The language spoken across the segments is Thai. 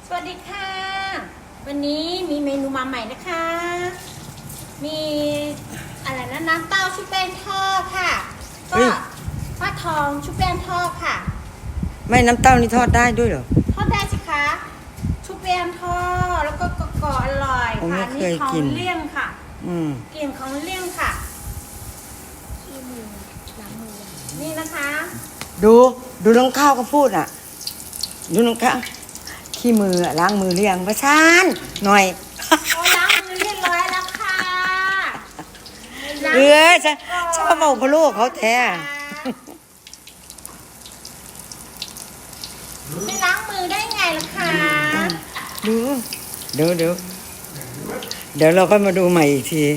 สวัสดีค่ะวันนี้มีเมนูมาใหม่นะคะมีอะไรนะน้ำเต้าชุบแป้งทอดค่ะก็ฟักทองชุบแป้งทอดค่ะไม่น้ำเต้านี่ทอดได้ด้วยเหรอทอดได้สิคะชุบแป้งทอดแล้วก็กรอบอร่อยค่ะนี่ของเลี่ยงค่ะกลิ่นของเลี่ยงค่ะนี่นะคะดูน้องข้าวก็พูดอ่ะดูน้องข้าวขี้มือล้างมือเรียงประชานหน่อยล้างมือเรียบร้อยแล้วค่ะชอบบอกพ่อลูกเขาแท้ไม่ล้างมือได้ไงล่ะคะเดี๋ยวเราก็มาดูใหม่อีกที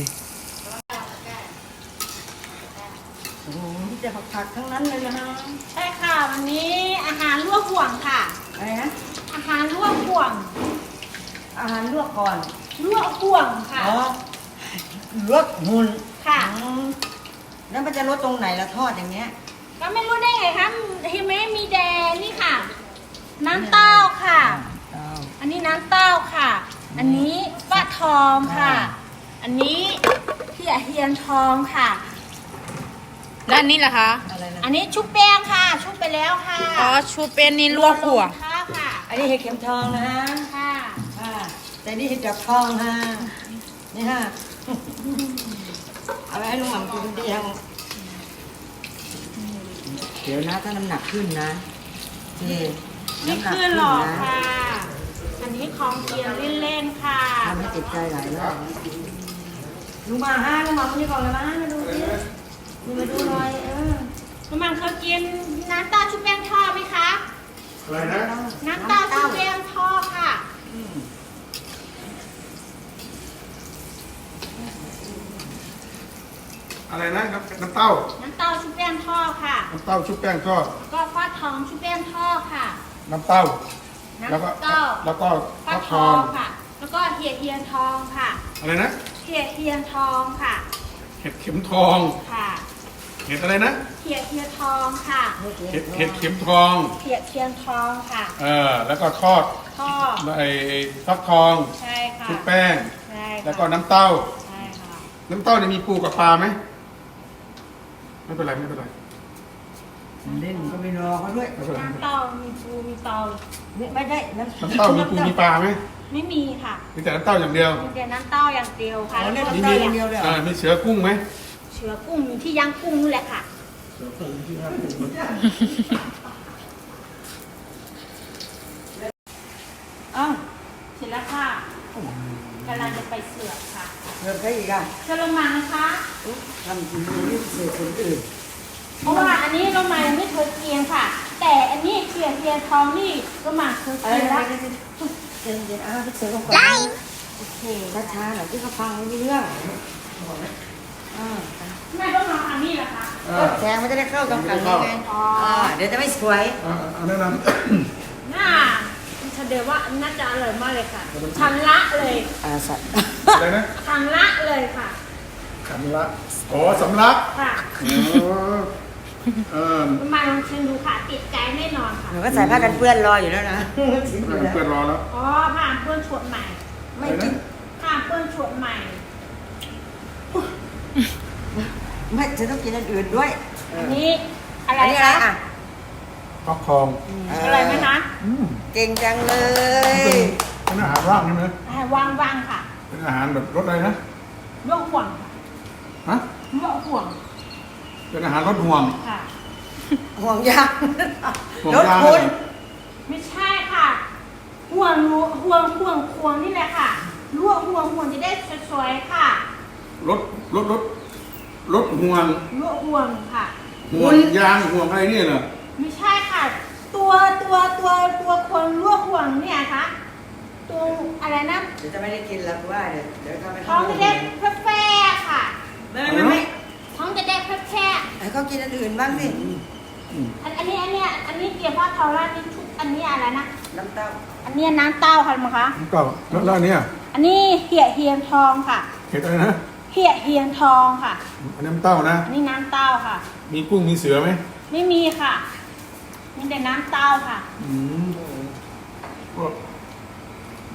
โอ้โหจะผักทั้งนั้นเลยนะใช่ค่ะวันนี้อาหารลวกห่วงค่ะอะไรนะอาหารลวกห่วงอาหารลวกก่อนลวกห่วงค่ะลวกหุ่นค่ะแล้วมันจะลดตรงไหนละทอดอย่างเงี้ยก็ไม่รู้ได้ไงคะเห็นไหมมีแดงนี่ค่ะน้ำเต้าค่ะอันนี้น้ำเต้าค่ะอันนี้ฟักทองค่ะอันนี้เทียนทองค่ะแล้วอันนี้ล่ะคะอันนี้ชุบแป้งค่ะชุบไปแล้วค่ะอ๋อชุบเป็นนี่ลวกหัวค่ะอันนี้เห็ดเข็มทองนะค่ะแต่นี่เห็ดจับทองฮะนี่ฮะเอาไว้ให้ลุงหม่ำกินเดียวเดี๋ยวนะถ้าน้ำหนักขึ้นนะไม่ขึ้นหรอกค่ะอันนี้ของเกียร์เล่นๆค่ะทำให้ติดใจหลายรอบลุงมาลุงหม่ำนี่ก่อนเลยนะมาดูสิมาดูหน่อยลุงหม่ำเคยกินน้ำเต้าชุบแป้งทอดไหมคะอะไรนะน้ำเต้าชุบแป้งทอดค่ะอะไรนะน้ำเต้าชุบแป้งทอดค่ะน้ำเต้าชุบแป้งทอดก็ฟักทองชุบแป้งทอดค่ะน้ำเต้าแล้วก็ฟักทองค่ะแล้วก็เทียนทองค่ะอะไรนะเทียนทองค่ะเห็ดเข็มทองค่ะเห็ดอะไรนะเทียนทองค่ะเห็ดเข็มทองเทียนทองค่ะแล้วก็ทอดไอ้ฟักทองใช่ค่ะชุบแป้งใช่แล้วก็น้ำเต้าใช่ค่ะน้ำเต้าเนี่ยมีปูกับปลาไหมไม่เป็นไรเล่นก็ไม่รอเขาด้วยน้ำเต้ามีปูมีเตาไม่ได้น้ำเต้ามีปูมีปลาไหมไม่มีค่ะมีแต่น้ำเต้าอย่างเดียวมีแต่น้ำเต้าอย่างเดียวค่ะแล้วก็อย่างเดียวเลยมีเสือกุ้งไหมเสือกุ้งที่ย่างกุ้งนี่แหละค่ะเสร็จแล้วค่ะกำลังจะไปเสือกค่ะเสือกใครอีกอ่ะเสือลงมานะคะทำกินดูเสือกคนอื่นเพราะว่าอันนี้ลงมาไม่เคยเกียงค่ะแต่อันนี้เทียนทองนี่ลงมาเคยเกียงแล้วเดี๋ยวเสือกก่อนโอเคช้าๆหน่อยที่เขาฟังไม่รู้เรื่องแม่ต้องมาทางนี้เหรอคะแสงมันจะได้เข้ากับกันไงเดี๋ยวจะไม่สวยแนะนำน่าฉันเดาว่าน่าจะอร่อยมากเลยค่ะชันละเลยสัตว์อะไรนะชันละเลยค่ะสำลักสำลักค่ะมาลองชิมดูค่ะติดใจแน่นอนค่ะหนูก็ใส่ผ้ากันเปื้อนรออยู่แล้วนะผ้ากันเปื้อนรอแล้วผ้าเปื้อนฉดใหม่ไม่กินผ้าเปื้อนฉดใหม่ไม่จะต้องกินอันอื่นด้วยอันนี้อะไรอ่ะฟักทองอะไรไหมคะเก่งจังเลยเป็นอาหารว่างใช่ไหมว่างค่ะเป็นอาหารแบบรสอะไรนะรสห่วงฮะรสห่วงเป็นอาหารรสห่วงค่ะห่วงยางรสคุณไม่ใช่ค่ะห่วงนี่แหละค่ะลวกห่วงจะได้สวยๆค่ะรสห่วงลวกห่วงค่ะห่วงยางห่วงอะไรเนี่ยเหรอไม่ใช่ค่ะตัวคนลวกห่วงเนี่ยค่ะตัวอะไรนะเดี๋ยวจะไม่ได้กินแล้วว่าเดี๋ยวก็ไม่ท้องจะได้แฝงค่ะไม่ท้องจะได้แฝงให้เขากินอันอื่นบ้างสิอันนี้เกี่ยวกับทอรานี่ชุบอันนี้อะไรนะน้ำเต้าอันนี้น้ำเต้าค่ะมั้งคะน้ำเต้าแล้วอันนี้อันนี้เทียนทองค่ะเห็ดอะไรนะเทียนทองค่ะอันนี้น้ำเต้านะอันนี้น้ำเต้าค่ะมีกุ้งมีเสือไหมไม่มีค่ะมีแต่น้ำเต้าค่ะพวก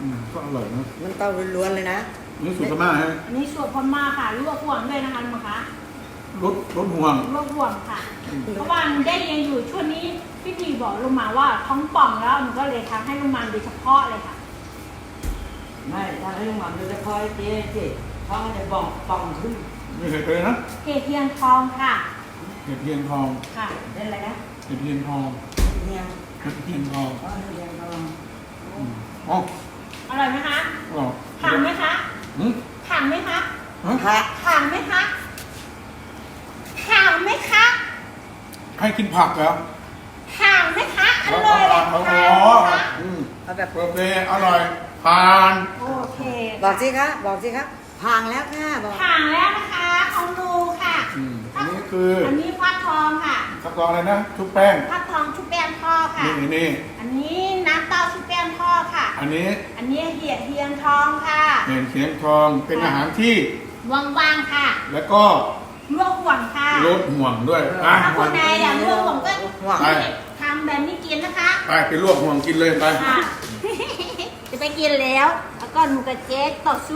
ก็อร่อยนะมันเต้าล้วนๆเลยนะนี่สูตรพม่าฮะอันนี้สูตรพม่าค่ะลวกห่วงด้วยนะคะลุงคะรสห่วงลวกห่วงค่ะ เพราะว่าหนูได้เรียนอยู่ช่วงนี้พี่พีบอกลุงมาว่าท้องป่องแล้วหนูก็เลยทำให้ลุงมันโดยเฉพาะเลยค่ะไม่ทำให้ลุงหม่ำโดยเฉพาะเจ๊ท้องมันจะป่องขึ้นไม่เคยไปนะเห็ดเทียนทองค่ะเห็ดเทียนทองค่ะเล่นอะไรนะเห็ดเทียนทองเฮียงเห็ดเทียนทองอ๋อเฮียงทองอ๋ออร่อยไหมคะอร่อยถังไหมคะอืมถังไหมคะฮะพระถังไหมคะถังไหมคะให้กินผักเหรอถังไหมคะอร่อยเลยอ๋อถังอ๋อไหมคะอืมเอาแบบโอเคอร่อยผ่านโอเคบอกสิคะบอกสิครับพางแล้วค่ะบอกถังแล้วนะคะของหนูค่ะอันนี้คืออันนี้ฟักทองค่ะข้าวตองอะไรนะชุบแป้งฟักทองชุบแป้งทอดค่ะนี่อันนี้น้ำเต้าชุบแป้งทอดค่ะอันนี้อันนี้เห็ดเทียนทองค่ะเห็ดเทียนทองเป็นอาหารที่ว่างๆค่ะแล้วก็ลวกห่วงค่ะลดห่วงด้วยอ่ะถ้าคนใดอยากลวกห่วงก็ไปทำแบบนี้กินนะคะไปลวกห่วงกินเลยไปค่ะ จะไปกินแล้ว แล้วก็หนูกับเจ๊ต่อสู้